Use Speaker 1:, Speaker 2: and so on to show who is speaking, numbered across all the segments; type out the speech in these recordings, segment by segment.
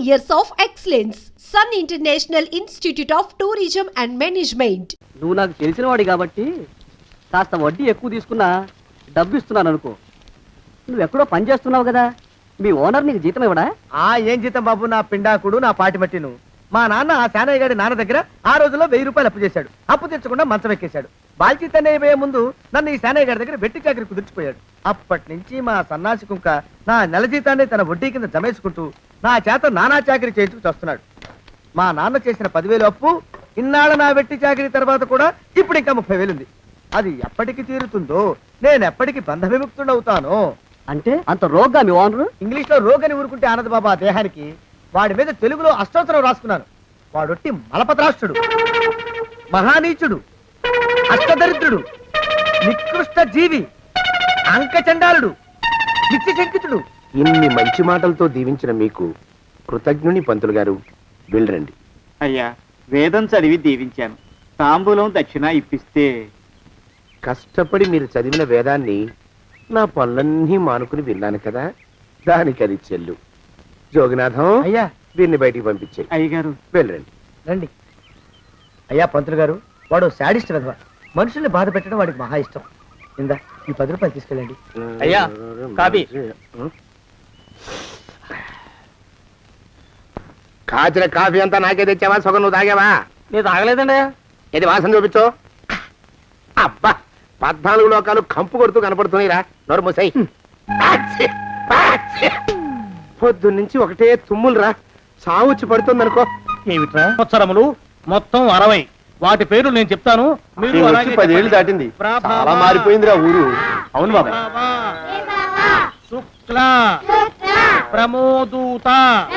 Speaker 1: years of excellence. Sun International Institute of Tourism and Management.
Speaker 2: నువ్వు నాకు తెలిసిన వాడి కాబట్టి కాస్త వడ్డీ ఎక్కువ తీసుకున్నా డబ్బు ఇస్తున్నాను అనుకో. నువ్వు ఎక్కడో పని చేస్తున్నావు కదా, మీ ఓనర్ నీకు జీతం ఇవ్వడా?
Speaker 3: ఏం జీతం బాబు, నా పిండాకుడు నా పాటి మట్టిను. మా నాన్న ఆ శానయ్య గారి నాన్న దగ్గర ఆ రోజుల్లో 1000 రూపాయలు అప్పు చేశాడు. అప్పు తెచ్చకుండా మంచం ఎక్కేశాడు. బాల్చితనే అయిపోయే ముందు నన్ను ఈ శానయ్య గారి దగ్గర వెట్టి చాకరి కుదిర్చిపోయాడు. అప్పటి నుంచి మా సన్నాసి కుంక నా నెల జీతాన్ని తన వడ్డీ కింద జమేసుకుంటూ నా చేత నానా చాకరీ చేయించుకు వస్తున్నాడు. మా నాన్న చేసిన 10,000 అప్పు ఇన్నాళ్ళ నా వెట్టి చాకరీ తర్వాత కూడా ఇప్పుడు ఇంకా 30,000 ఉంది. అది ఎప్పటికి తీరుతుందో, నేను ఎప్పటికి బంధ విముక్తుడవుతానో.
Speaker 2: అంటే అంత రోగ్గా మీ ఓనరు?
Speaker 3: ఇంగ్లీష్ లో రోగని ఊరుకుంటే ఆనంద్ బాబా ఆ దేహానికి, వాడి మీద తెలుగులో అష్టోత్తరం రాసుకున్నాను. వాడొట్టి మలపత్రాష్ట్రుడు, మహానీచుడు, అష్టదరిద్రుడు, నికృష్ట జీవి, అంకచండాలుడు, నిత్యశంకితుడు.
Speaker 4: ఇన్ని మంచి మాటలతో దీవించిన మీకు కృతజ్ఞుని పంతులు గారు. వెళ్ళరండి.
Speaker 5: అయ్యా, వేదం చదివి దీవించాను. తాంబూలం దక్షిణ ఇప్పిస్తే.
Speaker 4: కష్టపడి మీరు చదివిన వేదాన్ని నా పనులన్నీ మానుకుని విన్నాను కదా, దానికి అది చెల్లు. జోగినాథం,
Speaker 3: అయ్యా
Speaker 4: వీరిని బయటికి పంపించేయి.
Speaker 5: అయ్యగారు
Speaker 4: వెళ్ళరండి.
Speaker 3: రండి. అయ్యా పంతులు గారు, వాడు శాడిస్ట్ విధవ. మనుషుల్ని బాధ పెట్టడం వాడికి మహా ఇష్టం. ఇందా ఈ 10 రూపాయలు తీసుకెళ్ళండి.
Speaker 2: అయ్యా, కాపీ.
Speaker 4: కాచిన కాఫీ అంతా నాకే తెచ్చావా? సగం నువ్వు తాగావా?
Speaker 2: నేను తాగలేదండి.
Speaker 4: ఇది వాసన చూపించు. అబ్బా, 14 లోకాలు కంపు కొడుతూ కనపడుతున్నాయిరా. నోరు మూసాయి. పొద్దున్నుంచి ఒకటే తుమ్ములురా, సావుచ్చి పడుతుంది అనుకో.
Speaker 6: ఏమిట్రా సంవత్సరములు మొత్తం 60. వాటి పేర్లు నేను చెప్తాను, మీరు
Speaker 4: 10 ఏళ్ళు దాటింది. చాలా మారిపోయిందిరా ఊరు.
Speaker 6: అవును బాబా. శుక్ల ప్రమోదూత.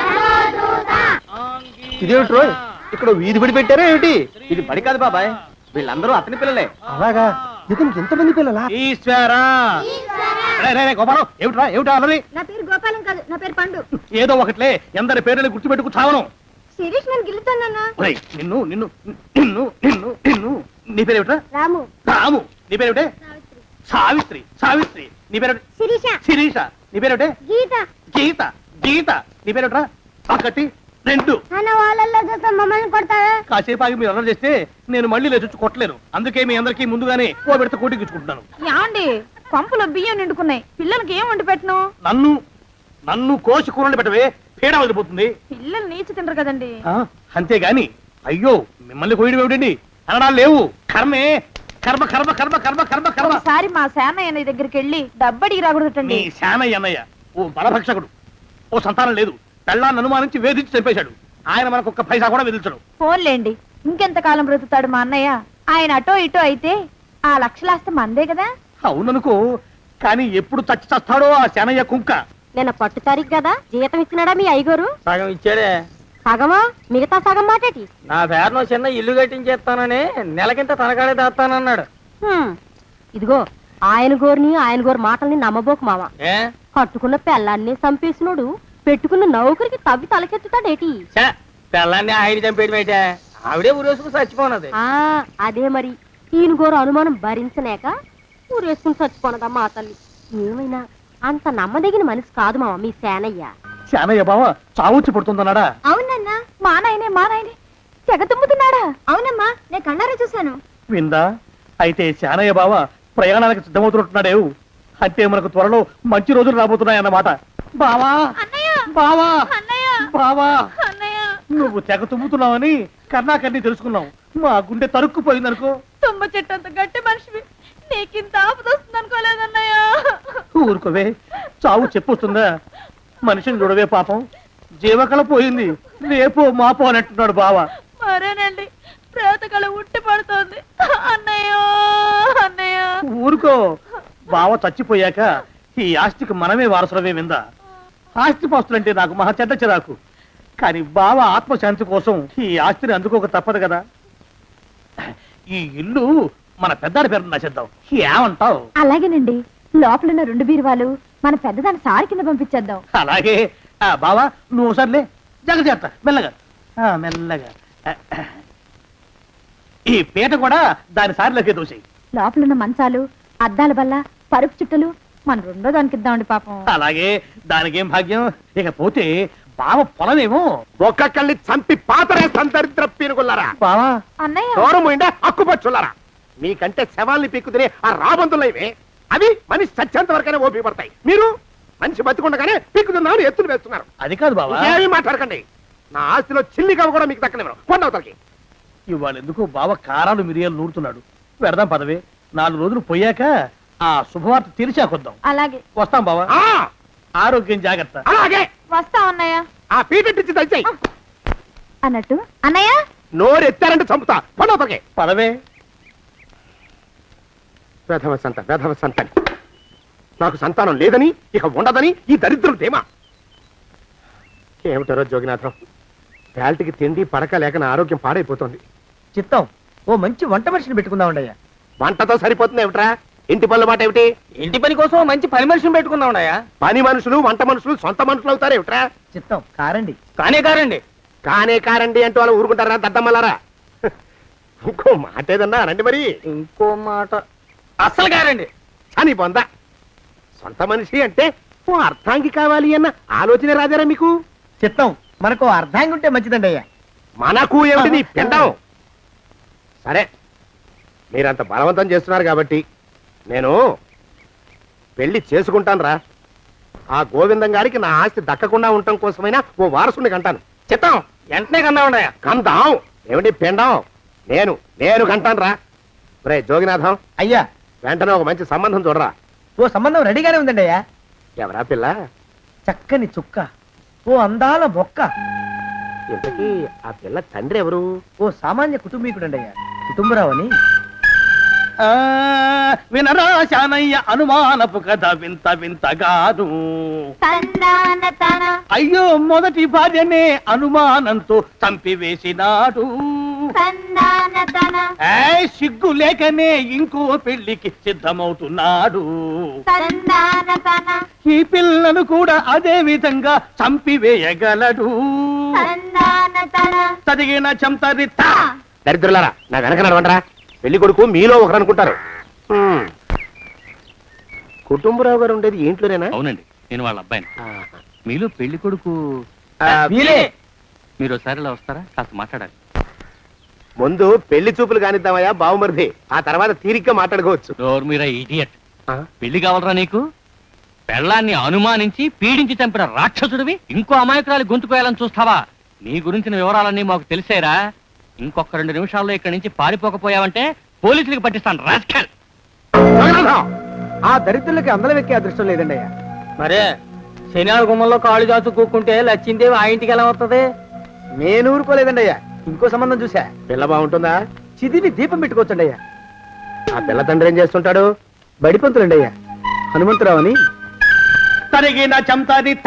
Speaker 3: ఇదేమిటి రోయ్, ఇక్కడ వీధి బడి పెట్టారా ఏమిటి?
Speaker 2: ఇది బడి కాదు బాబాయ్, వీళ్ళందరూ అతని పిల్లలే.
Speaker 3: అలాగా, ఇతనికి ఎంతమంది పిల్లలా?
Speaker 6: ఈశ్వరా. గోపాలం, ఏమిట్రా ఏమిటా అన్నది?
Speaker 7: నా పేరు గోపాలం కాదు, నా పేరు పండు.
Speaker 6: ఏదో ఒకట్లే, ఎందరి పేర్లని గుర్తుపెట్టుకు చావను.
Speaker 7: శిరీష్ నన్ను గిల్లుతానన్నా.
Speaker 6: నిన్ను నిన్ను నిన్ను నిన్ను నిన్ను నీ పేరేమిట్రా?
Speaker 7: రాము.
Speaker 6: రాము. నీ పేరేమిటే? సావిత్రి. సావిత్రి. నీ పేరేమిటి?
Speaker 7: శిరీష.
Speaker 6: శిరీష. నీ పేరేమిటే?
Speaker 7: గీత.
Speaker 6: గీత. గీత. నీ పేరేమిట్రా? ఒకటి 2.
Speaker 7: అన్న వాళ్ళల్లో చూస్తే మమ్మల్ని కొడతావా?
Speaker 6: కాసేపు ఆగి మీరు అల్లరి చేస్తే నేను మళ్ళీ లేచొచ్చి కొట్టలేను. అందుకే మీ అందరికీ ముందుగానే ఓ పెడితే కోటికిచ్చుకుంటున్నాను.
Speaker 7: యాండి, పంపులో బియ్యం నిండుకున్నాయి, పిల్లలకి ఏం వండి పెట్టను?
Speaker 6: నన్ను నన్ను కోసి కూరలు పెట్టవే, పీడ వదిలిపోతుంది.
Speaker 7: పిల్లలు నీచి తింటారు కదండి.
Speaker 6: అంతేగాని అయ్యో మిమ్మల్ని కోయడం ఏమిటండి అనడాలు లేవు. కర్మే, కర్మ కర్మ కర్మ కర్మ కర్మ కర్మ.
Speaker 7: ఒకసారి మా శానయ్య దగ్గరికి వెళ్ళి డబ్బడికి రాకూడదటండి.
Speaker 6: నీ శానయ్య అన్నయ్య ఓ బలభక్షకుడు, ఓ సంతానం లేదు, పెళ్ళాన్ని అనుమానించి వేధించి చంపేశాడు. ఆయన మనకు ఒక్క పైసా కూడా విధించడు.
Speaker 7: ఫోన్లేండి, ఇంకెంత కాలం బ్రతుకుతాడు మా అన్నయ్య? ఆయన అటో ఇటో అయితే ఆ లక్షలాస్తి మందే కదా.
Speaker 6: అవుననుకో, కానీ ఎప్పుడు చచ్చి చస్తాడో ఆ శానయ్య కుంక.
Speaker 7: నేను పట్టు తారీఖు కదా, జీతం ఇచ్చినాడా మీ అయ్యగారు?
Speaker 2: సగం ఇచ్చాడే.
Speaker 7: సగమా? మిగతా సగం మాటేటి?
Speaker 2: నా పేరును చిన్న ఇల్లు కట్టించేస్తానని నెలకింత తనకాడే దాస్తానన్నాడు.
Speaker 7: ఇదిగో, ఆయన గోరు మాటల్ని నమ్మబోకు మామ. కట్టుకున్న పెళ్ళాన్ని చంపేసినోడు పెట్టుకున్న నౌకరికి తవ్వి తలకెత్తుతాడేటి?
Speaker 2: పిల్లాన్ని ఆయన చంపేయడం ఏంటే, ఆవిడే ఊరేసుకుని చచ్చిపోనది.
Speaker 7: అదే మరి, ఈయన గోరు అనుమానం భరించలేక ఊరేసుకుని చచ్చిపోనదమ్మా ఆ తల్లి. ఏమైనా అంత నమ్మదగిన మనిషి కాదు మామ మీ శానయ్య.
Speaker 6: శానయ్య బావ చావుచ్చి పడుతుందన్నాడా?
Speaker 7: అవునన్నా, మా నాయనే తెగ తుమ్ముతున్నాడా? అవునమ్మా, నేను కన్నారా చూశాను.
Speaker 6: విందా? అయితే శానయ్య బావ ప్రయాణానికి సిద్ధమవుతున్నట్టున్నాడేవు. అంటే మనకు త్వరలో మంచి రోజులు రాబోతున్నాయన్నమాట. బావా బావా బావా, నువ్వు తెగ తుమ్ముతున్నావని కర్ణాకర్ణి తెలుసుకున్నావు. మా గుండె తరుక్కుపోయిందనుకో.
Speaker 7: తుమ్మ చెట్టు అంత గట్టి మనిషివి, నీకింత ఆపదొస్తుంది అనుకోలేదన్నయ్య.
Speaker 6: ఊరుకోవే, చావు చెప్పొస్తుందా? మనిషిని చూడవే పాపం, జీవకళ పోయింది, రేపో మాపో అన్నట్టున్నాడు బావ.
Speaker 7: మరేనండి, ప్రేతకళ ఉట్టి పడుతోంది అన్నయ్యో అన్నయ్య.
Speaker 6: ఊరుకో, బావ చచ్చిపోయాక ఈ ఆస్తికి మనమే వారసులమే. విందా? ఆస్తిపాస్తులంటే నాకు మహా చెడ్డ చిరాకు, కానీ బావ ఆత్మశాంతి కోసం ఈ ఆస్తిని అందుకోక తప్పదు కదా. ఈ ఇల్లు మన పెద్దాడి పేరు నచ్చేద్దాం, ఏమంటావు?
Speaker 7: అలాగేనండి, లోపలున్న 2 బీరువాలు మన పెద్దదాన్ని సారి కింద పంపించేద్దాం.
Speaker 6: అలాగే. బావా నువ్వు సర్లే, జాగ్రత్త, మెల్లగా మెల్లగా. ఈ పీట కూడా దాని సారిలోకి దూసేయి.
Speaker 7: లోపలున్న మంచాలు, అద్దాల బల్ల, పరుపు చుట్టలు మన 2వ దానికి ఇద్దామండి పాపం.
Speaker 6: అలాగే, దానికేం భాగ్యం. ఇకపోతే బావ పొలమేమో.
Speaker 4: ఒక్కొక్కల్ని చంపి పాతరేస్తాను దరిద్ర పీనుకున్నారా.
Speaker 6: బావా
Speaker 7: అన్నయ్య
Speaker 4: దూరం పోయిండా అక్కుపచ్చులారా. మీకంటే శవాల్ని పీక్కుతినే ఆ రాబందులైవే అవి మనిషి చచ్చేంత వరకనే ఓపి పడతాయి. మీరు మనిషి బతికుండగానే పీక్కుతున్నామని ఎత్తులు వేస్తున్నారు.
Speaker 6: అది కాదు బావా,
Speaker 4: ఏమీ మాట్లాడకండి. నా ఆస్తిలో చిల్లిగా కూడా మీకు దక్కనివ్వను. కొండవతలకి.
Speaker 6: ఇవాళ ఎందుకో బావ కారాలు మిరియాలు నూరుతున్నాడు. పెడదాం పదవే, 4 రోజులు పోయాక ఆ శుభవార్త తీర్చాకొద్దాం.
Speaker 7: అలాగే
Speaker 6: వస్తాం బావా.
Speaker 4: ఆ,
Speaker 6: ఆరోగ్యం జాగ్రత్త.
Speaker 4: అలాగే
Speaker 7: వస్తా అన్నయ్య.
Speaker 4: ఆ పీటెట్టించి దయచేయి.
Speaker 7: అన్నట్టు అన్నయ్య
Speaker 4: నోరు ఎత్తారంటే చంపుతా. కొండవతలకి.
Speaker 6: పదవే.
Speaker 4: వేధవ సంతానం. నాకు సంతానం లేదని ఇక ఉండదని ఈ దరిద్రులు ధీమా. ఏమిటారో జోగినాథం, వేల్టికి తిండి పడక లేక నా ఆరోగ్యం పాడైపోతుంది.
Speaker 3: చిత్తం ఓ మంచి వంట మనిషిని పెట్టుకుందామండయ్యా.
Speaker 4: వంటతో సరిపోతుంది ఏమిట్రా? ఇంటి పనుల మాట ఏమిటి?
Speaker 2: ఇంటి పని కోసం మంచి పని మనిషిని పెట్టుకుందాం.
Speaker 4: పని మనుషులు వంట మనుషులు సొంత మనుషులు అవుతారు ఏమిట్రా?
Speaker 3: చిత్తం కారండి.
Speaker 2: కారండి.
Speaker 4: కారండి అంటూ వాళ్ళు ఊరుకుంటారా దద్దమ్మలారా? ఇంకో మాట ఏదన్నా రండి మరి.
Speaker 2: ఇంకో మాట అస్సలు కారండి.
Speaker 4: అని పొందా సొంత మనిషి అంటే ఓ అర్థాంగి కావాలి అన్న ఆలోచన రాజారా మీకు?
Speaker 3: చిత్తం మనకు అర్ధాంగి ఉంటే మంచిదండి అయ్యా.
Speaker 4: మనకు ఏమిటి నీ పిండం? సరే, మీరంత బలవంతం చేస్తున్నారు కాబట్టి నేను పెళ్లి చేసుకుంటాను రా. ఆ గోవిందం గారికి నా ఆస్తి దక్కకుండా ఉండటం కోసమైనా ఓ వారసుని కంటాను. చిత్తం
Speaker 2: వెంటనే కన్నా
Speaker 4: కందాం ఏమిటి పిండం? నేను కంటాను రా. రే జోగినాథం,
Speaker 3: అయ్యా
Speaker 4: వెంటనే ఒక మంచి సంబంధం చూడరా.
Speaker 3: ఓ సంబంధం రెడీగానే ఉందండి అయ్యా.
Speaker 4: ఎవరా పిల్ల?
Speaker 3: చక్కని చుక్క, ఓ అందాల మొక్క,
Speaker 4: ఇంతకీ ఆ పిల్ల తండ్రి ఎవరు?
Speaker 3: ఓ సామాన్య కుటుంబీకుడండి అయ్యా. కుటుంబరావు అని.
Speaker 6: వినరా శానయ్య అనుమానపు కథ వింత వింతగాను. అయ్యో మొదటి భార్యనే అనుమానంతో చంపివేసినాడు. సిగ్గు లేకనే ఇంకో పెళ్లికి సిద్ధమవుతున్నాడు. ఈ పిల్లను కూడా అదే విధంగా చంపివేయగలడు. చదివిన చంతరిత.
Speaker 4: దరిద్రులారా, నా వెనక నడవంటరా. పెళ్లి కొడుకు మీలో ఒకరు అనుకుంటారు. కుటుంబరావు గారు ఉండేది ఏంట్లోనేనా?
Speaker 8: అవునండి, నేను వాళ్ళ అబ్బాయిని.
Speaker 4: ఆహా.
Speaker 8: మీలో పెళ్లి కొడుకు
Speaker 3: మీరే.
Speaker 8: మీరు ఒకసారి ఇలా వస్తారా? కాస్త మాట్లాడాలి.
Speaker 4: ముందు పెళ్లి చూపులు కానిద్దామయ్యా బావుమరిది, ఆ తర్వాత తీరిగ్గా మాట్లాడుకోవచ్చు.
Speaker 8: డోర్ మీరా ఇడియట్.
Speaker 4: ఆ?
Speaker 8: పెళ్లి కావాలరా నీకు? పెళ్ళాన్ని అనుమానించి పీడించి చంపిన రాక్షసుడివి ఇంకో అమాయకురాలి గొంతుకోయాలని చూస్తావా? నీ గురించిన వివరాలన్నీ మాకు తెలిసేరా. ఇంకొక 2 నిమిషాల్లో ఇక్కడి నుంచి పారిపోకపోయావంటే పోలీసులకు పట్టిస్తాను. రాస్కల్.
Speaker 4: జగన్నాథం!
Speaker 3: ఆ దరిద్రులకి అందలం ఎక్కే అదృష్టం లేదండి అయ్యా.
Speaker 2: మరే శనివారం గుమ్మంలో కాళ్ళు చాచు కూకుంటే లచ్చిందేవి ఆ ఇంటికి ఎలా వస్తుంది?
Speaker 3: నేను ఊరుకోలేదండి అయ్యా. ఇంకో సంబంధం చూసా.
Speaker 4: పిల్ల బాగుంటుందా?
Speaker 3: చిదివి దీపం పెట్టుకోవచ్చండి అయ్యా.
Speaker 4: ఆ పిల్ల తండ్రి ఏం చేస్తుంటాడు?
Speaker 3: బడిపంతులండి అయ్యా. హనుమంతరావు అని.
Speaker 6: తరిగిన చంతరిత.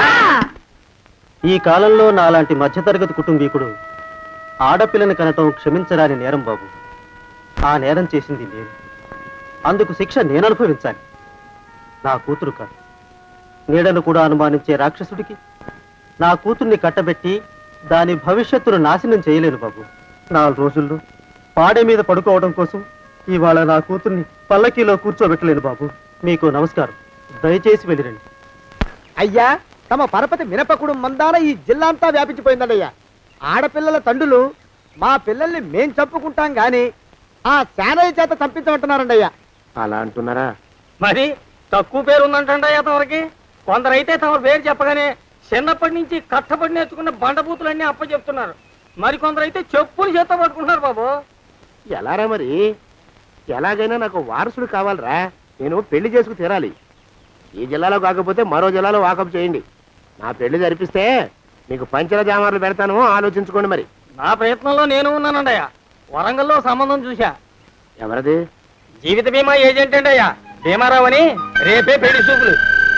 Speaker 2: ఈ కాలంలో నాలాంటి మధ్యతరగతి కుటుంబీకుడు ఆడపిల్లని కనటం క్షమించరాని నేరం బాబు. ఆ నేరం చేసింది నేను. అందుకు శిక్ష నేను అనుభవించాలి. నా కూతురు కాదు. నీడను కూడా అనుమానించే రాక్షసుడికి నా కూతుర్ని కట్టబెట్టి దాని భవిష్యత్తును నాశనం చేయలేను బాబు. 4 రోజుల్లో పాడే మీద పడుకోవడం కోసం ఇవాళ నా కూతుర్ని పల్లకీలో కూర్చోబెట్టలేను బాబు. మీకు నమస్కారం. దయచేసి వెళ్ళిరండి.
Speaker 3: అయ్యా, తమ పరపతి మినపకుడు మందాన ఈ జిల్లా అంతా వ్యాపించిపోయిందండి అయ్యా. ఆడపిల్లల తండ్రులు మా పిల్లల్ని మేం చంపుకుంటాం గాని ఆ శానయ్య చేత చంపించమంటున్నారండి అయ్యా.
Speaker 4: అలా అంటున్నారా?
Speaker 2: మరి తక్కువ పేరు ఉందంటండి తమరికి. కొందరైతే తమ పేరు చెప్పగానే చిన్నప్పటి నుంచి కట్టబడి నేర్చుకున్న బండబూతులన్నీ అప్పచెప్తున్నారు. మరి కొందరైతే చెప్పులు చేత పట్టుకుంటున్నారు బాబు.
Speaker 4: ఎలారా మరి? ఎలాగైనా నాకు వారసుడు కావాలరా. నేను పెళ్లి చేసుకు తీరాలి. ఈ జిల్లాలో కాకపోతే మరో జిల్లాలో వాకప్ చేయండి. నా పెళ్లి జరిపిస్తే మీకు పంచల జామార్లు పెడతాను, ఆలోచించుకోండి మరి.
Speaker 2: నా ప్రయత్నంలో నేను ఉన్నానండి. వరంగల్లో సంబంధం చూశా.
Speaker 4: ఎవరది?
Speaker 2: జీవిత బీమా ఏజెంట్ అండి అయ్యా, భీమారావు అని. రేపే పెళ్లి చూపులు.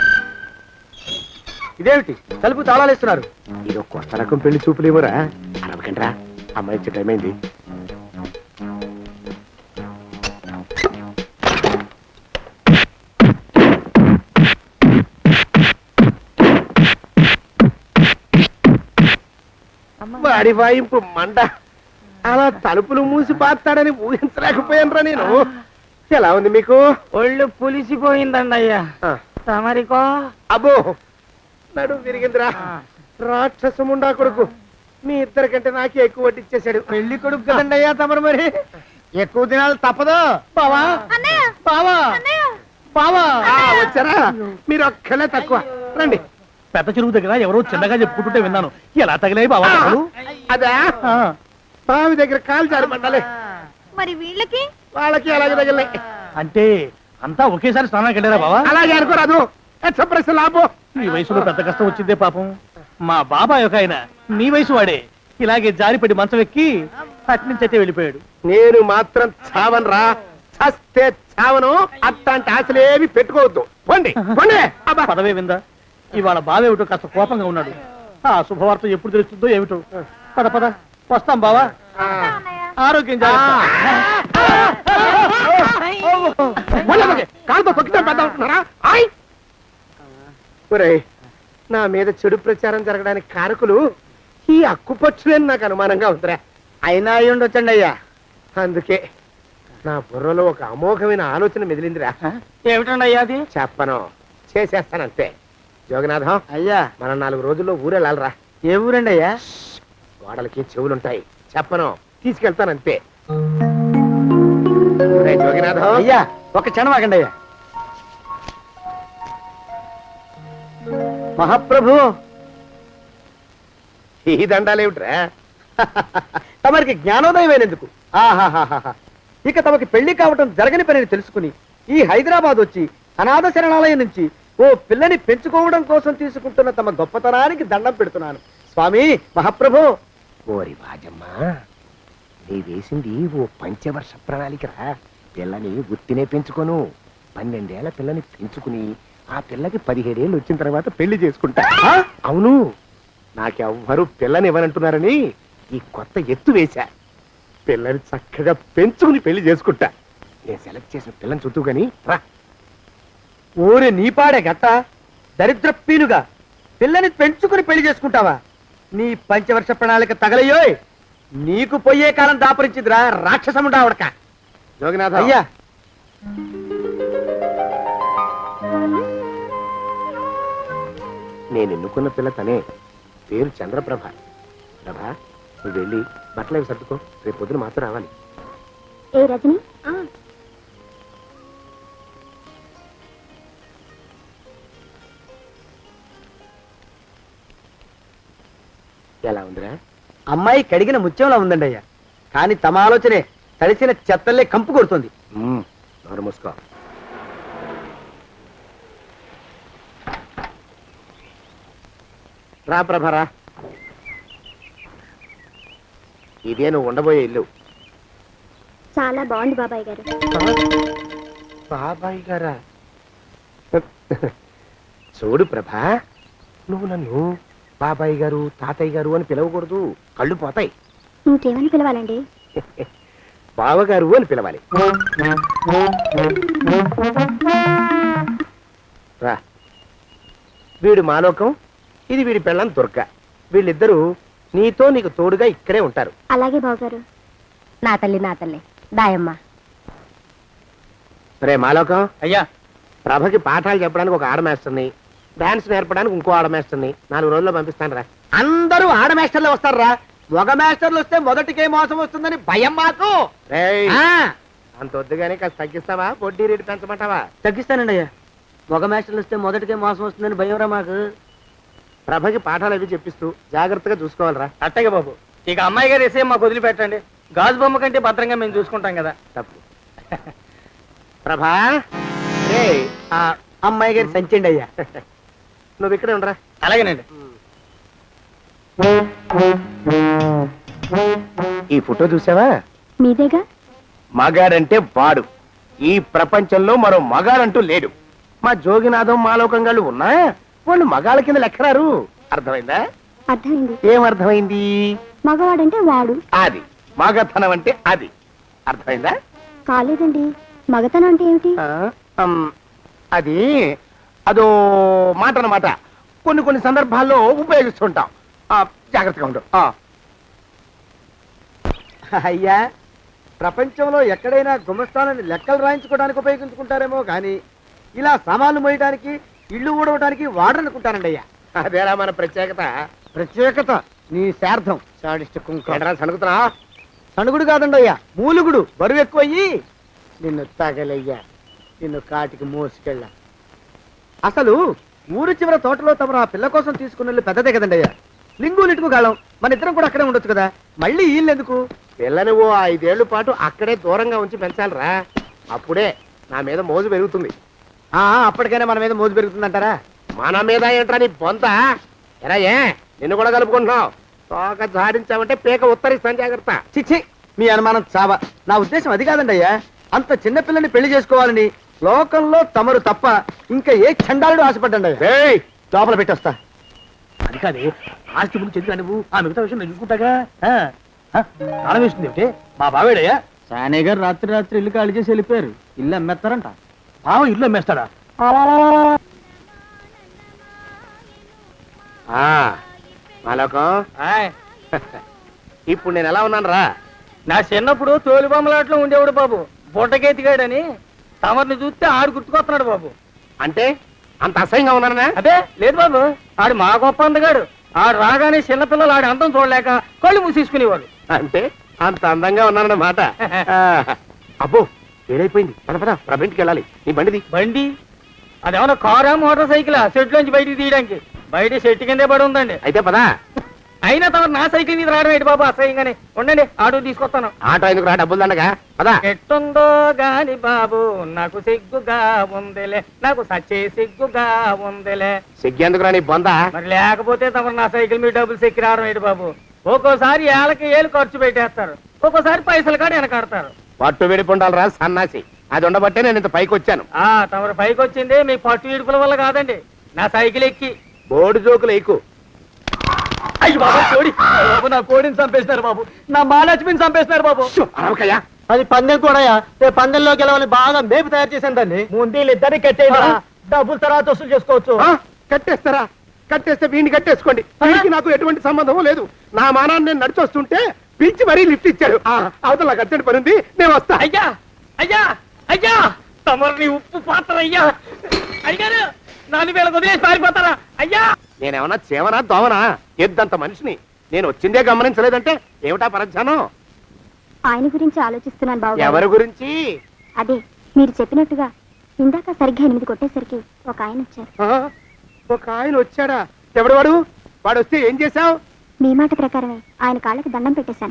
Speaker 3: ఇదేమిటి తలుపు తాళాలేస్తున్నారు?
Speaker 4: ఇది కొత్త రకం పెళ్లి చూపులేమోరా. అరవకండ్రా, అమ్మాయి ఇచ్చే టైం అయింది. వాడి వాయింపు మంట. అలా తలుపులు మూసి పాతాడని ఊహించలేకపోయానురా నేను. ఎలా ఉంది మీకు?
Speaker 2: ఒళ్ళు పులిసిపోయిందండి అయ్యా.
Speaker 4: ఆ,
Speaker 2: తమరికో
Speaker 4: అబ్బో నడు విరిగిందిరా. రాక్షసముండా కొడుకు మీ ఇద్దరికంటే నాకే ఎక్కువ వడ్డిచ్చేశాడు.
Speaker 3: పెళ్లి కొడుకు కదండి అయ్యా తమరు, మరి ఎక్కువ దినాలు తప్పదు. బావా బావా బావా
Speaker 4: వచ్చారా? మీరు ఒక్కలే తక్కువ. రండి.
Speaker 6: పెద్ద చెరువు దగ్గర ఎవరో చిన్నగా చెప్పుకుంటుంటే విన్నాను. ఎలా తగిలాయి బావా దెబ్బలు?
Speaker 4: అదా బావి దగ్గర కాలు జారి పడ్డాలే.
Speaker 7: మరి వీళ్ళకి
Speaker 4: వాళ్ళకి అలాగే తగిలినాయి.
Speaker 6: అంటే అంతా ఒకేసారి స్నానానికి వెళ్ళారా బావా?
Speaker 4: అలాగే అనుకోరాదు. ఎక్స్ప్రెస్ లాభో.
Speaker 6: ఈ వయసులో పెద్ద కష్టం వచ్చిందే పాపం. మా బాబాయ్ ఒక ఆయన నీ వయసు వాడే ఇలాగే జారిపడి మంచం ఎక్కి అట్నుంచైతే వెళ్ళిపోయాడు.
Speaker 4: నేను మాత్రం చావను రా. చస్తే చావను. అట్లాంటి ఆశలేవి పెట్టుకోవద్దు. పోండి పోండి. అబ్బా.
Speaker 6: పదవే విందా. ఇవాళ బావేమిటో కాస్త కోపంగా ఉన్నాడు. ఆ శుభవార్త ఎప్పుడు తెలుస్తుందో ఏమిటో. పద పద వస్తాం బావా. ఆరోగ్యం జాగ్రత్త.
Speaker 4: కాలుతో తొక్కితే పెద్ద అవుతున్నారా? ఒరేయ్, నా మీద చెడు ప్రచారం జరగడానికి కారకులు ఈ అక్కుపచ్చులని నాకు అనుమానంగా ఉందిరా.
Speaker 3: అయినా అయి ఉండొచ్చండి అయ్యా.
Speaker 4: అందుకే నా బుర్రలో ఒక అమోఘమైన ఆలోచన మెదిలిందిరా.
Speaker 3: ఏమిటండి అయ్యా అది?
Speaker 4: చెప్పను, చేసేస్తానంతే. జోగనాథం,
Speaker 3: అయ్యా
Speaker 4: మనం 4 రోజుల్లో ఊరెళ్ళాలరా.
Speaker 3: ఏ ఊరండి అయ్యా?
Speaker 4: గోడలకి చెవులుంటాయి. చెప్పను, తీసుకెళ్తానంతే. ఒరేయ్ జోగినాథం,
Speaker 3: అయ్యా ఒక క్షణం ఆగండి అయ్యా. మహాప్రభు,
Speaker 4: ఈ దండాలేమిట్రా?
Speaker 3: తమరికి జ్ఞానోదయం అయినందుకు ఆహాహాహా. ఇక తమకి పెళ్లి కావటం జరగని పనిని తెలుసుకుని ఈ హైదరాబాద్ వచ్చి అనాథ శరణాలయం నుంచి ఓ పిల్లని పెంచుకోవడం కోసం తీసుకుంటున్న తమ గొప్పతనానికి దండం పెడుతున్నాను స్వామి. మహాప్రభు.
Speaker 4: ఓరి వాజమ్మా, నీ వేసింది ఓ పంచవర్ష ప్రణాళికరా. పిల్లని గుర్తినే పెంచుకోను. 12 ఏళ్ల పిల్లని పెంచుకుని ఆ పిల్లకి 17 ఏళ్ళు వచ్చిన తర్వాత పెళ్లి చేసుకుంటా. అవును, నాకెవ్వరూ పిల్లని ఇవ్వనంటున్నారని ఈ కొత్త ఎత్తు వేశా. పిల్లని చక్కగా పెంచుకుని పెళ్లి చేసుకుంటా. నేను సెలెక్ట్ చేసిన పిల్లని చుట్టూ గాని రా.
Speaker 3: ఊరి నీపాడే గట్ట దరిద్ర పీనుగా పిల్లని పెంచుకుని పెళ్లి చేసుకుంటావా? నీ పంచవర్ష ప్రణాళిక తగలయ్యోయ్. నీకు పోయే కాలం దాపరించిందిరా రాక్షసముడా ఉడక.
Speaker 4: జోగినాథ
Speaker 3: అయ్యా
Speaker 4: నేను ఎన్నుకున్న పిల్ల తనే. పేరు చంద్రప్రభ. ప్రభ, నువ్వు వెళ్ళి బట్టలు అవి సర్దుకో. రేపు పొద్దున మాత్రం రావాలి.
Speaker 7: ఏ రజని
Speaker 4: ఎలా ఉందిరా?
Speaker 3: అమ్మాయి కడిగిన ముత్యంలా ఉందండి అయ్యా. కానీ తమ ఆలోచనే తడిసిన చెత్తల్లే కంపు కొడుతుంది.
Speaker 4: నోరు మూసుకో. రా ప్రభరా, ఇదే నువ్వు ఉండబోయే ఇల్లు.
Speaker 7: చాలా బాగుంది బాబాయ్ గారు.
Speaker 4: బాబాయ్ గారా? చూడు ప్రభా, నువ్వు నన్ను బాబాయ్ గారు తాతయ్య గారు అని పిలవకూడదు. కళ్ళు పోతాయి.
Speaker 7: ఇంకేమని పిలవాలండి?
Speaker 4: బావగారు అని పిలవాలి. రా. వీడు మాలోకం, ఇది వీడి పెళ్ళాం దుర్గ. వీళ్ళిద్దరూ నీతో నీకు తోడుగా ఇక్కడే ఉంటారు.
Speaker 7: అలాగే బావగారు. నా తల్లి నా తల్లి దాయమ్మ.
Speaker 4: రే మాలోకం,
Speaker 6: అయ్యా
Speaker 4: ప్రభకి పాఠాలు చెప్పడానికి ఒక ఆడమేస్టర్ని, డాన్స్ నేర్పడానికి ఇంకో ఆడమేస్టర్ని 4 రోజుల్లో పంపిస్తాను రా.
Speaker 3: అందరూ ఆడ మాస్టర్లు వస్తారా? మగ మాస్టర్లు వస్తే మొదటికే మోసం వస్తుందని భయం మాకు.
Speaker 4: రేయ్,
Speaker 3: ఆ,
Speaker 4: అంత వద్దుగానే కాస్త తగ్గిస్తావా? వడ్డీ రేటు పెంచమంటావా?
Speaker 3: తగ్గిస్తానండి అయ్యా. మగ మాస్టర్లు వస్తే మొదటికే మోసం వస్తుందని భయం రా మాకు.
Speaker 4: ప్రభకి పాఠాలు అవి చెప్పిస్తూ జాగ్రత్తగా చూసుకోవాలరా.
Speaker 3: అట్టగే బాబు. ఇక అమ్మాయి గారు వేసే మాకు వదిలిపెట్టండి. గాజు బొమ్మ కంటే భద్రంగా మేము చూసుకుంటాం కదా.
Speaker 4: తప్పు. ప్రభా, రే
Speaker 3: ఆ అమ్మాయి గారి సంచండి అయ్యా.
Speaker 4: నువ్వు ఇక్కడే ఉండరా.
Speaker 3: అలాగేనండి.
Speaker 4: ఈ ఫోటో చూసావా?
Speaker 7: మీదేగా.
Speaker 4: మగాడంటే వాడు. ఈ ప్రపంచంలో మరో మగాడంటూ లేడు. మా జోగినాథం మాలోకంగాళ్ళు ఉన్నా వాళ్ళు మగాళ్ళ కింద లెక్కరారు. అర్థమైందా?
Speaker 7: అర్థమైంది.
Speaker 4: ఏం అర్థమైంది?
Speaker 7: మగవాడంటే వాడు.
Speaker 4: అది మగతనం అంటే అది. అర్థమైందా?
Speaker 7: కాలేదండి. మగతనం అంటే ఏమిటి?
Speaker 4: అది అదో మాట అన్నమాట. కొన్ని సందర్భాల్లో ఉపయోగిస్తుంటాం. జాగ్రత్తగా ఉండు.
Speaker 3: అయ్యా, ప్రపంచంలో ఎక్కడైనా గుమస్థానాన్ని లెక్కలు రాయించుకోవడానికి ఉపయోగించుకుంటారేమో కానీ ఇలా సామాన్లు మోయడానికి ఇల్లు ఊడవడానికి వాడరనుకుంటానండి అయ్యా.
Speaker 4: అదేరా మన ప్రత్యేకత.
Speaker 3: ప్రత్యేకత నీ శార్థం సాడిస్ట్ కుంక
Speaker 4: ఏంట్రా సణుకుతున్నా?
Speaker 3: సణుగుడు కాదండి అయ్యా, మూలుగుడు. బరువు ఎక్కువయ్యి నిన్ను తగలయ్యా, నిన్ను కాటికి మోసుకెళ్ళ. అసలు ఊరు చివర తోటలో తమరు ఆ పిల్ల కోసం తీసుకున్న పెద్దదే కదండి అయ్యా. లింగు లిటుకు గాళం, మన ఇద్దరం కూడా అక్కడే ఉండొచ్చు కదా. మళ్ళీ వీళ్ళు ఎందుకు?
Speaker 4: పిల్లని ఓ 5 ఏళ్ల పాటు అక్కడే దూరంగా ఉంచి పెంచాలిరా. అప్పుడే నా మీద మోజు పెరుగుతుంది.
Speaker 3: అప్పటికైనా మన మీద మోజు పెరుగుతుందంటారా?
Speaker 4: మన మీద ఏంట్రా నీ బొంత? ఎరా ఏ నిన్ను కూడా కలుపుకుంటున్నావు? తోక జాడించావంటే పీక ఉత్తరిస్తాను, జాగ్రత్త.
Speaker 3: చిచ్చి, మీ అనుమానం చావా. నా ఉద్దేశం అది కాదండి అయ్యా. అంత చిన్న పిల్లని పెళ్లి చేసుకోవాలని లోకంలో తమరు తప్ప ఇంకా ఏ చండాలుడు ఆశపడ్డండి అయ్యా.
Speaker 4: ఏయ్,
Speaker 3: లోపల పెట్టొస్తా.
Speaker 6: అది కాదే, ఆస్తి ముందు చెందుగా నువ్వు ఆ మిగతా విషయం నేను చూసుకుంటాగా. తాళం వేస్తుంది ఏమిటి? మా బావేడయ్యా.
Speaker 5: సానే గారు రాత్రి రాత్రి ఇల్లు ఖాళీ చేసి వెళ్ళిపోయారు. ఇల్లు అమ్మేస్తారంట.
Speaker 6: బావ ఇల్లు అమ్మేస్తాడా?
Speaker 4: మాలోకం, ఇప్పుడు నేను ఎలా ఉన్నాను రా?
Speaker 5: నా చిన్నప్పుడు తోలు బొమ్మలాట్లో ఉండేవాడు బాబు, బుట్టకెత్తిగాడని. తమరిని చూస్తే ఆడు గుర్తుకొస్తున్నాడు బాబు.
Speaker 4: అంటే అంత అసహ్యంగా ఉన్నానా?
Speaker 5: అదే లేదు బాబు, ఆడు మా గొప్ప అందగాడు. ఆడు రాగానే చిన్నపిల్లలు ఆడి అందం చూడలేక కళ్ళు మూసేసుకునేవాడు.
Speaker 4: అంటే అంత అందంగా ఉన్నానన్నమాట. అబ్బో, ఏడైపోయింది. పద పద, ప్రభింటికి వెళ్ళాలి. నీ బండిది.
Speaker 5: బండి అదేమన్నా కారా మోటార్ సైకిల్ షెడ్ లోంచి బయటికి తీయడానికి? బయట షెట్ కిందే పడి ఉందండి.
Speaker 4: అయితే పదా.
Speaker 5: అయినా తమ నా సైకిల్ మీద రావడం ఏంటి బాబు అసహ్యంగానే. ఉండండి, ఆటో తీసుకొస్తాను.
Speaker 4: ఆటో ఎందుకు రా, డబ్బులు దండగా. పదా.
Speaker 5: ఎట్టుందో గాని బాబు నాకు సిగ్గుగా ఉందిలే, నాకు సచ్చే సిగ్గుగా ఉందిలే.
Speaker 4: సిగ్గెందుకు రా నీ బొంద?
Speaker 5: మరి లేకపోతే తమరు నా సైకిల్ మీద డబ్బులు సెక్కి రావడం ఏంటి బాబు? ఒక్కోసారి ఏళ్ళకి ఏళ్ళు ఖర్చు పెట్టేస్తారు, ఒక్కోసారి పైసలు కాడ వెనకాడతారు.
Speaker 4: పట్టు విడిపుండాలి రా సన్నాసి. అది ఉండబట్టే నేను ఇంత పైకి వచ్చాను.
Speaker 5: తమరు పైకి వచ్చింది మీ పట్టు ఇడుపుల వల్ల కాదండి, నా సైకిల్ ఎక్కి.
Speaker 4: బోర్డు జోకులు ఎక్కువ.
Speaker 5: అయ్యి బాబు, కోడి బాబు, నా కోడిని చంపేసినారు బాబు, నా మహాలక్ష్మిని చంపేసినారు బాబు.
Speaker 4: అరవకయ్యా.
Speaker 3: అది పందెం కూడా. పందెంలో గెలవని బాగా మేపు తయారు చేశాను దాన్ని. ముందు వీళ్ళిద్దరిని కట్టేయండి, డబ్బులు తర్వాత వసూలు చేసుకోవచ్చు.
Speaker 4: కట్టేస్తారా? కట్టేస్తే వీడిని కట్టేసుకోండి. వీడికి నాకు ఎటువంటి సంబంధం లేదు. నా మానాన్ని నేను నడిచొస్తుంటే పిలిచి మరీ లిఫ్ట్ ఇచ్చాడు. అవతల నాకు అర్జెంట్ పని ఉంది, నేను వస్తా.
Speaker 5: అయ్యా అయ్యా అయ్యా, తమరిని ఉప్పు పాత్ర అయ్యా. అయ్యారు నాలుగు వేల వదిలేసి పారిపోతారా అయ్యా?
Speaker 4: నేనేమన్నా చేవనా దోవనా? ఎద్దంత మనిషిని. నేను వచ్చిందే గమనించలేదంటే ఏమిటా పరధ్యానం?
Speaker 7: ఆయన గురించి ఆలోచిస్తున్నాను బాబు.
Speaker 4: ఎవరి గురించి?
Speaker 7: అదే మీరు చెప్పినట్టుగా ఇందాక సరిగ్గా 8 కొట్టేసరికి ఒక ఆయన వచ్చారు.
Speaker 4: ఒక ఆయన వచ్చాడా? ఎవడు వాడు? వాడు వస్తే ఏం చేశావు?
Speaker 7: మీ మాట ప్రకారమే ఆయన కాళ్ళకి దండం పెట్టేశాను.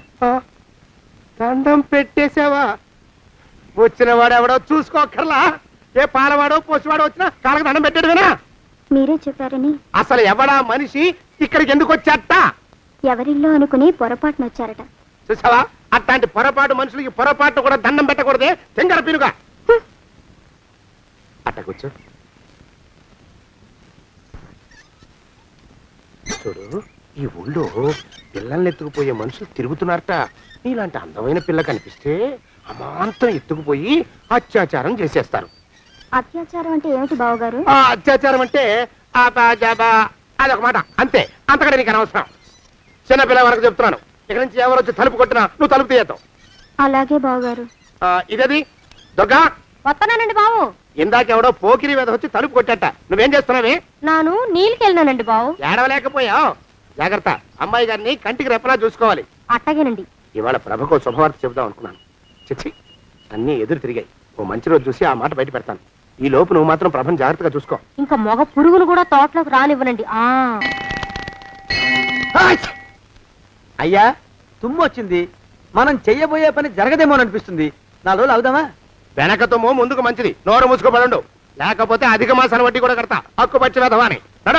Speaker 4: దండం పెట్టేశావా? వచ్చిన వాడు ఎవడో చూసుకోకర్లా. ఏ పాలవాడో పోసివాడో వచ్చినా కాళ్ళకి దండం పెట్టాడువేనా?
Speaker 7: మీరే చెప్పారని.
Speaker 4: అసలు ఎవడా మనిషి? ఇక్కడికి ఎందుకు వచ్చాట?
Speaker 7: ఎవరిల్లో అనుకుని పొరపాటున వచ్చారట.
Speaker 4: చూసావా, అట్లాంటి పొరపాటు మనుషులకి పొరపాటు కూడా దండం పెట్టకూడదే. తెంగర పినుగా అట్ట కూర్చో. చూడు, ఈ ఊళ్ళో పిల్లల్ని ఎత్తుకుపోయే మనుషులు తిరుగుతున్నారట. నీలాంటి అందమైన పిల్ల కనిపిస్తే అమాంతం ఎత్తుకుపోయి అత్యాచారం చేసేస్తారు.
Speaker 7: అత్యాచారం అంటే ఏమిటి బావగారు?
Speaker 4: ఆ అత్యాచారం అంటే అదొక మాట, అంతే. అంతకంటే నీకు అనవసరం. చిన్నపిల్ల వరకు చెప్తున్నాను. ఇక్కడి నుంచి ఎవరు వచ్చి తలుపు కొట్టినా నువ్వు తలుపు తీయతావు.
Speaker 7: అలాగే బావగారు.
Speaker 4: ఇదది దుర్గా.
Speaker 7: వస్తున్నానండి బావు.
Speaker 4: ఇందాకెవడో పోకిరి మీద వచ్చి తలుపు కొట్టట. నువ్వేం చేస్తున్నావే?
Speaker 7: నాను నీళ్ళకెళ్ళినానండి బావు.
Speaker 4: ఏడవలేకపోయావు. జాగ్రత్త, అమ్మాయి గారిని కంటికి రెప్పలా చూసుకోవాలి.
Speaker 7: అట్టగేనండి.
Speaker 4: ఇవాళ ప్రభకు శుభవార్త చెబుదాం అనుకున్నాను. చిచ్చి, అన్నీ ఎదురు తిరిగాయి. ఓ మంచి రోజు చూసి ఆ మాట బయట పెడతాను. ఈ లోపు నువ్వు మాత్రం ప్రభను జాగ్రత్తగా చూసుకో.
Speaker 7: ఇంకా మొగ పురుగులు కూడా తోటలోకి రానివ్వనండి.
Speaker 3: అయ్యా, తుమ్ము వచ్చింది. మనం చెయ్యబోయే పని జరగదేమో అనిపిస్తుంది. 4 రోజులు అవుదామా?
Speaker 4: వెనకతమో ముందుకు మంచిది. నోరు మూసుకోబడండు, లేకపోతే అధిక మాసాల వడ్డీ కూడా కడతా. హక్కు పచ్చి వేధవాని నడా.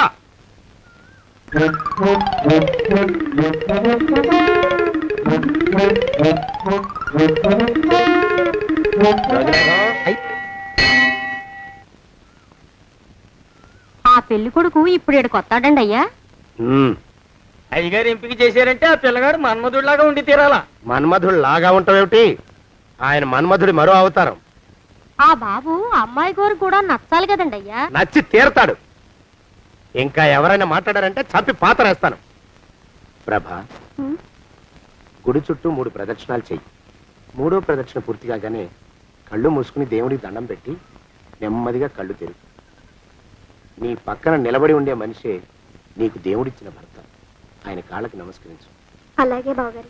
Speaker 7: ఆ పెళ్లి కొడుకు ఇప్పుడు ఈడకి వస్తాడండి అయ్యా.
Speaker 5: అయ్యగారు ఎంపిక చేశారంటే ఆ పిల్లగాడు మన్మధుడిలాగా ఉండి తీరాలా.
Speaker 4: మన్మధుడు లాగా ఉంటావేమిటి? ఆయన మన్మధుడి మరో అవతారం.
Speaker 7: ఆ బాబు అమ్మాయి గారు కూడా నచ్చాలి కదండి అయ్యా.
Speaker 4: నచ్చి తీరతాడు. ఇంకా ఎవరైనా మాట్లాడారంటే చంపి పాతరేస్తాను. ప్రభా, గుడి చుట్టూ 3 ప్రదక్షిణాలు చెయ్యి. 3వ ప్రదక్షిణ పూర్తి కాగానే కళ్ళు మూసుకుని దేవుడికి దండం పెట్టి నెమ్మదిగా కళ్ళు తెరుగు. నీ పక్కన నిలబడి ఉండే మనిషే నీకు దేవుడిచ్చిన భర్త. ఆయన కాళ్ళకి నమస్కరించు.
Speaker 7: అలాగే బావగారు.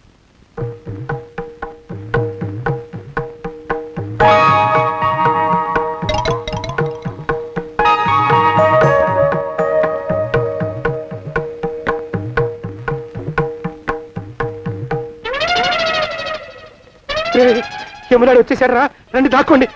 Speaker 4: యమునాడు వచ్చేసాడు రా, రండి దాక్కోండి.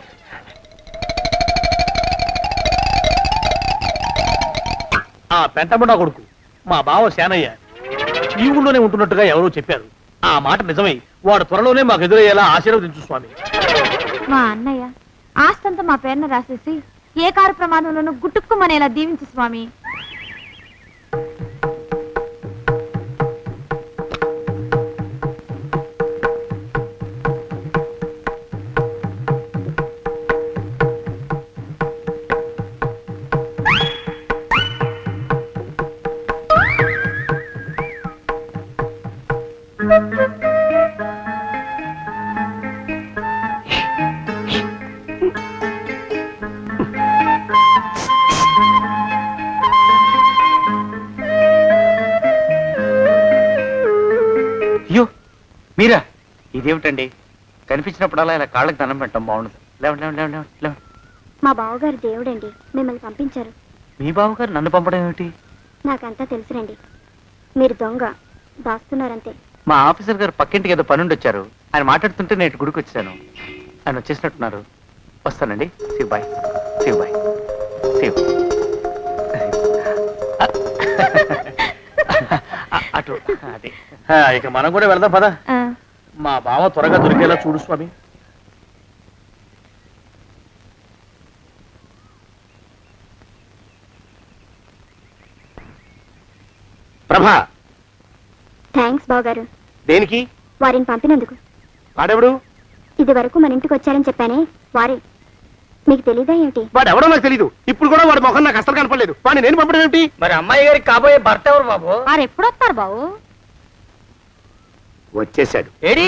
Speaker 6: ఆ పెంటముడా కొడుకు మా బావ శానయ్య ఈ ఊళ్ళోనే ఉంటున్నట్టుగా ఎవరో చెప్పారు. ఆ మాట నిజమై వాడు త్వరలోనే మాకు ఎదురయ్యేలా ఆశీర్వదించు స్వామి.
Speaker 7: మా అన్నయ్య ఆస్తంతా మా పేరున రాసేసి ఏ కారు ప్రమాదంలోనూ గుట్టుక్కుమనేలా దీవించు స్వామి.
Speaker 8: అయ్యో మీరా, ఇదేమిటండి? కనిపించినప్పుడల్లా ఇలా కాళ్ళకి దండం పెట్టడం బాగుండదు. లేవండి లేవండి లేవండి లేవండి.
Speaker 7: మా బావగారు దేవుడండి, మిమ్మల్ని పంపించారు.
Speaker 8: మీ బావగారు నన్ను పంపడం ఏమిటి?
Speaker 7: నాకంతా తెలుసురండి. మీరు దొంగ దాస్తున్నారంతే.
Speaker 8: మా ఆఫీసర్ గారు పక్కింటికి ఏదో పనుండి వచ్చారు. ఆయన మాట్లాడుతుంటే నేను గుడికి వచ్చాను. ఆయన వచ్చేసినట్టున్నారు. వస్తానండి. Shiv bye, Shiv bye, Shiv. అటు అదే.
Speaker 6: ఇక మనం కూడా వెళ్దాం పద. మా బావ త్వరగా దొరికేలా చూడు స్వామి.
Speaker 4: ప్రభా,
Speaker 7: థ్యాంక్స్ బావగారు,
Speaker 4: దేనికి?
Speaker 7: వారిని పంపినందుకు.
Speaker 4: వాడెవడు?
Speaker 7: ఇది వరకు మన ఇంటికి వచ్చారని చెప్పానే వారే. మీకు తెలీదా ఏమిటి?
Speaker 4: వాడెవడో నాకు తెలీదు. ఇప్పుడు కూడా వాడి మొహం నాకు అసలు కనపడలేదు. వాడిని నేను పంపడం ఏమిటి?
Speaker 5: మరి అమ్మాయి గారికి కాబోయే భర్త ఎవరు బాబు?
Speaker 7: వారు ఎప్పుడు వస్తారు బావు?
Speaker 4: వచ్చేసాడు.
Speaker 5: ఏడి?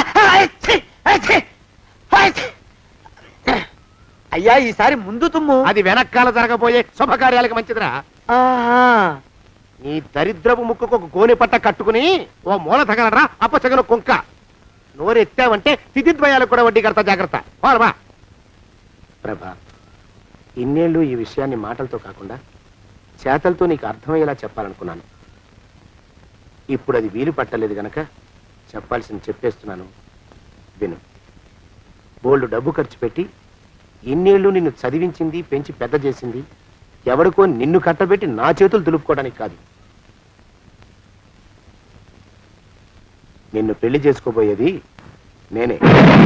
Speaker 3: అయ్యా ఈసారి ముందు తుమ్ము.
Speaker 4: అది వెనకాల జరగబోయే శుభకార్యాలకు మంచిదిరా. నీ దరిద్రపు ముక్కుకు ఒక గోనె పట్ట కట్టుకుని ఓ మూల తగలరా అప్పచగన కుంక. నోరెత్తావంటే స్థితిద్వయాలకు కూడా వడ్డీ కడతా, జాగ్రత్త. పోరమా ప్రభా, ఇన్నేళ్ళు ఈ విషయాన్ని మాటలతో కాకుండా చేతలతో నీకు అర్థమయ్యేలా చెప్పాలనుకున్నాను. ఇప్పుడు అది వీలు పట్టలేదు గనక చెప్పాల్సింది చెప్పేస్తున్నాను, విను. బోల్డు డబ్బు ఖర్చు పెట్టి ఇన్నేళ్ళు నిన్ను చదివించింది, పెంచి పెద్ద చేసింది ఎవరికో నిన్ను కట్టబెట్టి నా చేతులు దులుపుకోవడానికి కాదు. నిన్ను పెళ్లి చేసుకోబోయేది నేనే.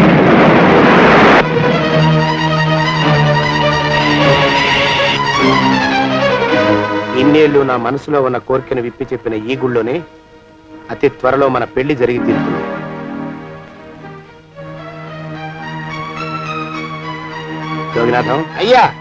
Speaker 4: ఇన్నేళ్ళు నా మనసులో ఉన్న కోరికను విప్పి చెప్పిన ఈ గుళ్ళోనే అతి త్వరలో మన పెళ్లి జరిగి తీరుతుంది. యోగినాథం, అయ్యా